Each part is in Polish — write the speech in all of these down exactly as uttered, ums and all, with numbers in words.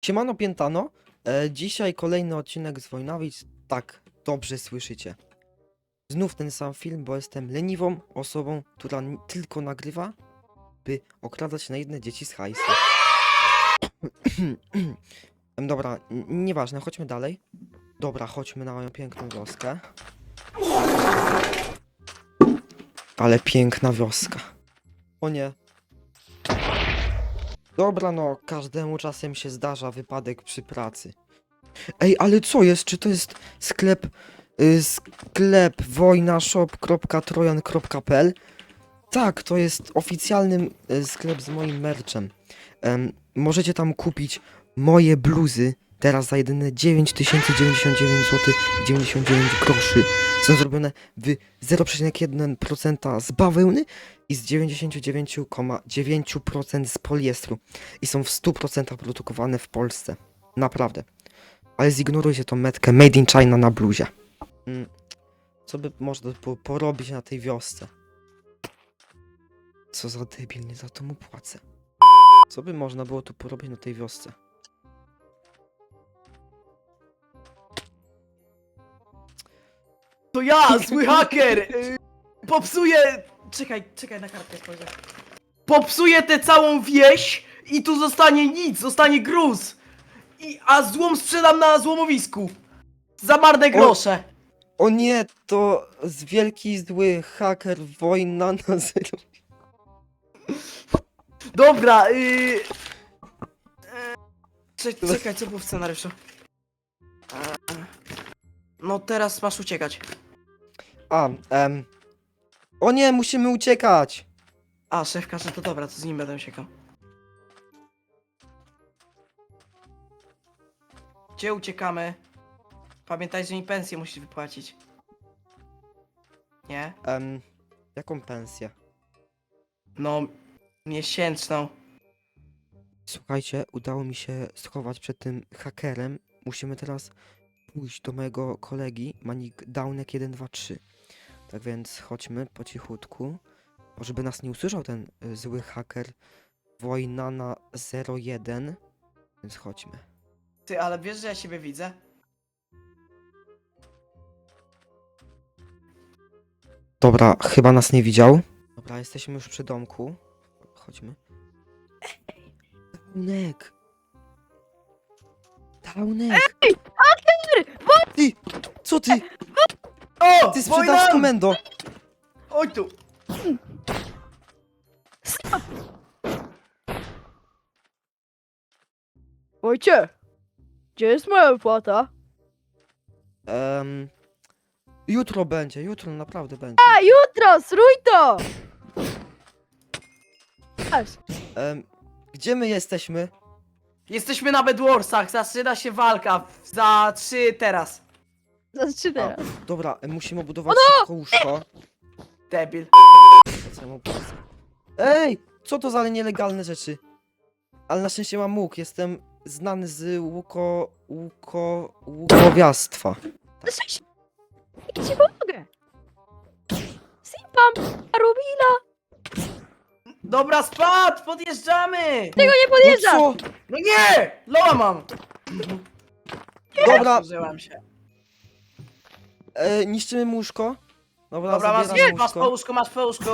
Siemano Piętano, e, dzisiaj kolejny odcinek z Wojnowic. Tak, dobrze słyszycie. Znów ten sam film, bo jestem leniwą osobą, która n- tylko nagrywa, by okradać naiwne dzieci z hajsu. Em, Dobra, n- nieważne, chodźmy dalej. Dobra, chodźmy na moją piękną wioskę. Ale piękna wioska. O nie. Dobra, no, każdemu czasem się zdarza wypadek przy pracy. Ej, ale co jest? Czy to jest sklep, y, sklep wojnashop kropka trojan kropka p l? Tak, to jest oficjalny y, sklep z moim merchem. Em, możecie tam kupić moje bluzy teraz za jedyne dziewięć tysięcy dziewięćdziesiąt dziewięć złotych dziewięćdziesiąt dziewięć groszy. Są zrobione w zero przecinek jeden procent z bawełny i z dziewięćdziesiąt dziewięć przecinek dziewięć procent z poliestru. I są w stu procentach produkowane w Polsce. Naprawdę. Ale zignorujcie tą metkę Made in China na bluzie. Mm, co by można było porobić na tej wiosce? Co za debil, nie za to mu płacę. Co by można było tu porobić na tej wiosce? To ja, zły haker! y, Popsuję... Czekaj, czekaj na kartkę spojrzę. Popsuję tę całą wieś i tu zostanie nic, zostanie gruz. I, a złom sprzedam na złomowisku. Za marne grosze. O nie, to z wielki zły haker wojna na zero. Dobra, yy... e, cze- Czekaj, co było w scenariuszu? E, No teraz masz uciekać. A, em. O nie, musimy uciekać! A, szef każe, to dobra, to z nim będę uciekał. Gdzie uciekamy? Pamiętaj, że mi pensję musisz wypłacić. Nie? Em, jaką pensję? No, miesięczną. Słuchajcie, udało mi się schować przed tym hakerem. Musimy teraz pójść do mojego kolegi, Manik Downek jeden dwa trzy. Tak więc chodźmy po cichutku, bo żeby nas nie usłyszał ten y, zły haker Wojna na zero jeden. Więc chodźmy. Ty, ale wiesz, że ja siebie widzę? Dobra, chyba nas nie widział. Dobra, jesteśmy już przy domku. Chodźmy. Downek! Downek! Ej, haker! Ty! Co ty? O! Ty Wojna! sprzedasz komendo! Oj tu! Wojcie, gdzie jest moja wypłata? Em, jutro będzie, jutro naprawdę będzie. A, jutro, zrój to! Aż, Em, gdzie my jesteśmy? Jesteśmy na Bedwarsach, zaczyna się walka. Za trzy teraz. zaczynaj teraz. Dobra, em, musimy budować szybko łóżko. Debil. Co ja mu powiem? Ej! Co to za nielegalne rzeczy? Ale na szczęście mam łuk, jestem znany z łuko... łuko... łukowiastwa. Cześć! Ja ci pomogę! Simpam, Rubila! Dobra, spad! Podjeżdżamy! Tego nie No podjeżdżasz! co? No nie! Loa mam! Dobra, Użyłam się. e, niszczymy mu łóżko. Dobra, Dobra, masz, zabieram masz po łóżko. łóżku, masz po łóżku.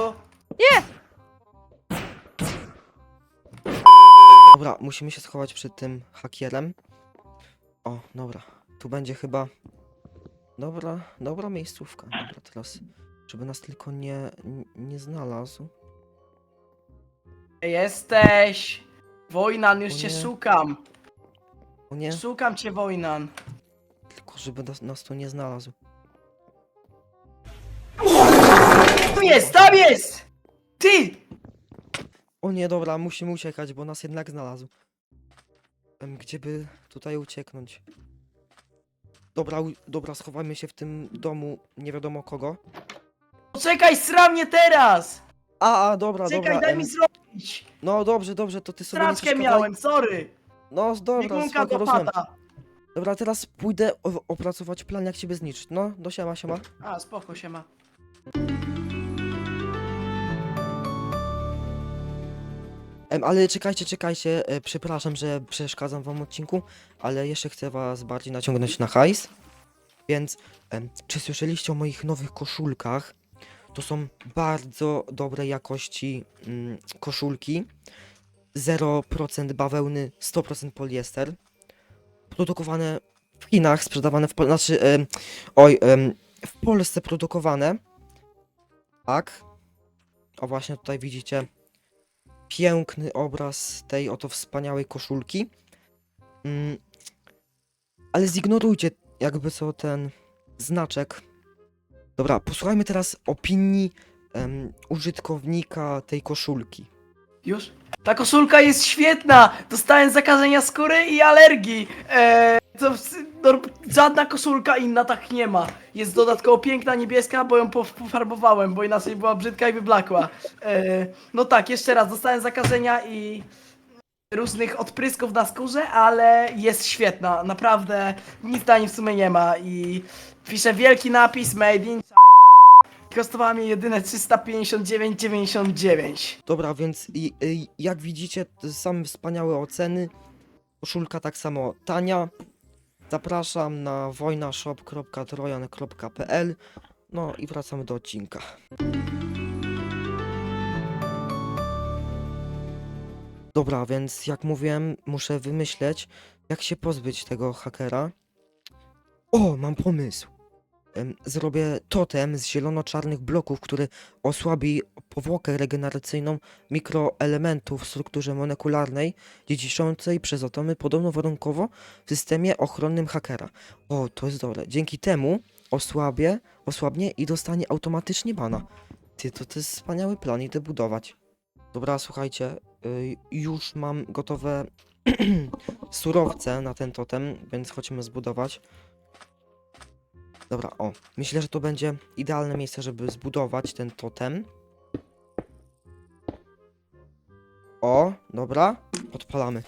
Dobra, musimy się schować przed tym hakierem. O, dobra. Tu będzie chyba... Dobra, dobra miejscówka. Dobra, teraz... Żeby nas tylko nie, nie, nie znalazł. Jesteś! Wojnan, już O cię nie. szukam. O nie, Szukam cię, Wojnan. tylko żeby nas, nas tu nie znalazł. Tu jest, tam jest! Ty! O nie, dobra, musimy uciekać, bo nas jednak znalazł. Em, Gdzie by tutaj ucieknąć? Dobra, u- dobra, schowajmy się w tym domu nie wiadomo kogo. Poczekaj, sram mnie teraz! A, a, dobra, Czekaj, dobra. daj em, mi zrobić! No dobrze, dobrze, to ty sobie nie Straczkę przeszkadzaj. miałem, sorry! No dobra, Biegunka spoko, do rozumiem. pata. Dobra, teraz pójdę o- opracować plan, jak ciebie zniszczyć. No, do siema, siema. A, spoko się ma. Em, ale czekajcie, czekajcie, e, przepraszam, że przeszkadzam wam w odcinku, ale jeszcze chcę was bardziej naciągnąć na hajs. Więc, em, czy słyszeliście o moich nowych koszulkach? To są bardzo dobrej jakości mm, koszulki. zero procent bawełny, sto procent poliester. Produkowane w Chinach, sprzedawane w Pol znaczy, em, oj, em, w Polsce produkowane. Tak. O właśnie tutaj widzicie piękny obraz tej oto wspaniałej koszulki. Mm, ale zignorujcie jakby co ten znaczek. Dobra, posłuchajmy teraz opinii em, użytkownika tej koszulki. Już? Ta koszulka jest świetna! Dostałem zakażenia skóry i alergii. Eee, to w- no, żadna koszulka inna tak nie ma. Jest dodatkowo piękna, niebieska, bo ją pof- pofarbowałem, bo inaczej była brzydka i wyblakła. Eee, no tak, jeszcze raz, dostałem zakażenia i różnych odprysków na skórze, ale jest świetna. Naprawdę nic na nim w sumie nie ma i pisze wielki napis Made in China. Kosztowała mnie jedyne trzysta pięćdziesiąt dziewięć dziewięćdziesiąt dziewięć. Dobra, więc i, i, jak widzicie, to same wspaniałe oceny. Koszulka tak samo tania. Zapraszam na wojnashop kropka trojan kropka p l. No i wracamy do odcinka. Dobra, więc jak mówiłem, muszę wymyśleć, jak się pozbyć tego hakera. O, mam pomysł. Em, Zrobię totem z zielono-czarnych bloków, który osłabi powłokę regeneracyjną mikroelementów w strukturze molekularnej, dziedziczącej przez atomy podobno warunkowo w systemie ochronnym hakera. O, to jest dobre. Dzięki temu osłabię, osłabnie i dostanie automatycznie bana. Ty, to, to jest wspaniały plan, idę budować. Dobra, słuchajcie, y, już mam gotowe surowce na ten totem, więc chodźmy zbudować. Dobra, o. Myślę, że to będzie idealne miejsce, żeby zbudować ten totem. O, dobra. Odpalamy.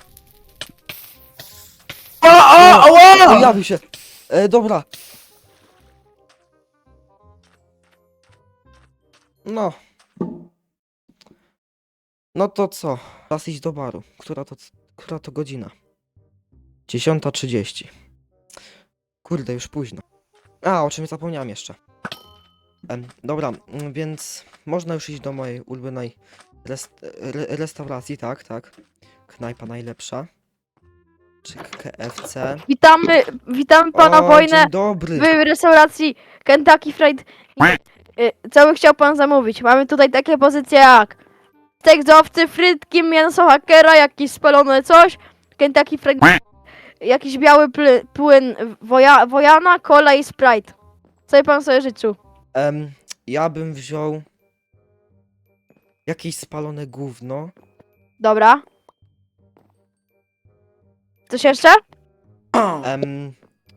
O, o, o! Pojawił się. E, dobra. No. No to co? Czas iść do baru. Która to, która to godzina? dziesiąta trzydzieści. Kurde, już późno. A, o czym zapomniałem jeszcze. Em, dobra, mm, więc można już iść do mojej ulubionej rest re restauracji, tak, tak. Knajpa najlepsza. Czy K F C. Witamy, witamy pana O, Wojnę dzień dobry. w restauracji Kentucky Fried. Y, Co by chciał pan zamówić? Mamy tutaj takie pozycje jak stek z owcy, frytki, mięso hakera, jakieś spalone coś, Kentucky Fried, jakiś biały ply, płyn woja, wojana, cola i Sprite. Co by pan sobie życzył? Em, ja bym wziął jakieś spalone gówno. Dobra. Coś jeszcze? Em,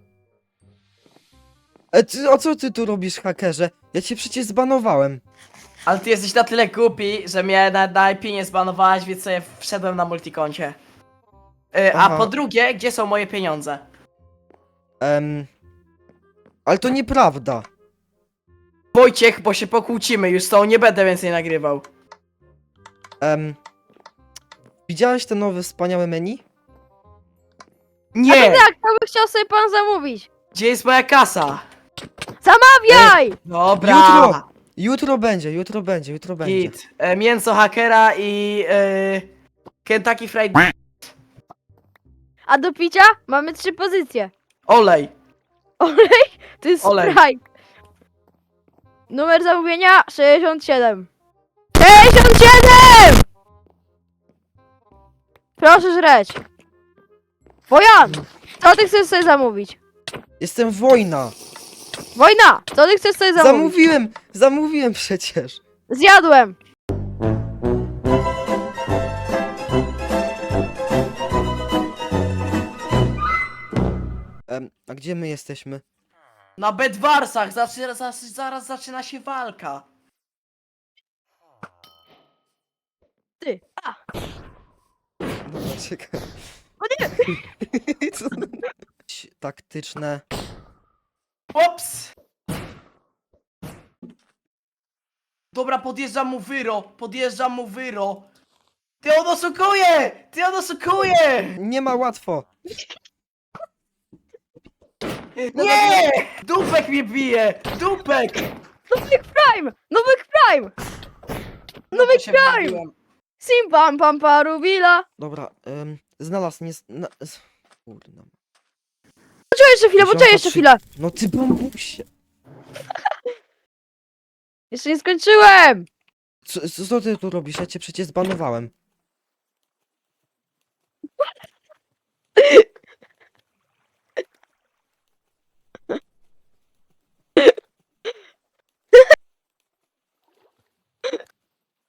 e, ty, o co ty tu robisz, hakerze? Ja cię przecież zbanowałem. Ale ty jesteś na tyle głupi, że mnie na, na I P nie zbanowałeś, więc sobie wszedłem na multikoncie. Yy, a Aha. po drugie, gdzie są moje pieniądze? Em, ale to nieprawda. Wojciech, bo się pokłócimy, już z tą nie będę więcej nagrywał. Em, widziałeś te nowe wspaniałe menu? Nie! Tak, to by chciał sobie pan zamówić. Gdzie jest moja kasa? Zamawiaj! Dobra! Jutro! Jutro będzie, jutro będzie, jutro będzie. Git. E, mięso hakera i e, Kentucky Fried A do picia mamy trzy pozycje. olej. Olej to jest Olej. Sprite. Numer zamówienia sześćdziesiąt siedem. sześćdziesiąt siedem! Proszę żreć. Wojan, co ty chcesz sobie zamówić? Jestem wojna. Wojna, co ty chcesz sobie zamówić? Zamówiłem, zamówiłem przecież. Zjadłem. Em, a gdzie my jesteśmy? Na Bedwarsach zaczyna, zaraz, zaraz zaczyna się walka. Ty. A, Dobra, czekaj. o nie. Co? Taktyczne. Ops! Dobra, podjeżdżam mu wyro, podjeżdżam mu wyro. Ty on oszukuje! Ty on oszukuje! Nie ma łatwo. Nie! Dupek mnie bije! Dupek! Nubek Prime! Nubek Prime! No Nubek to się Prime! wbiłem. Sim pam pam parubila! Dobra, ym, znalazł, nie... Na... z- Kurna. Poczekaj jeszcze chwilę, poczekaj jeszcze chwilę! No ty bambusie. Jeszcze nie skończyłem! Co, co ty tu robisz? Ja cię przecież zbanowałem.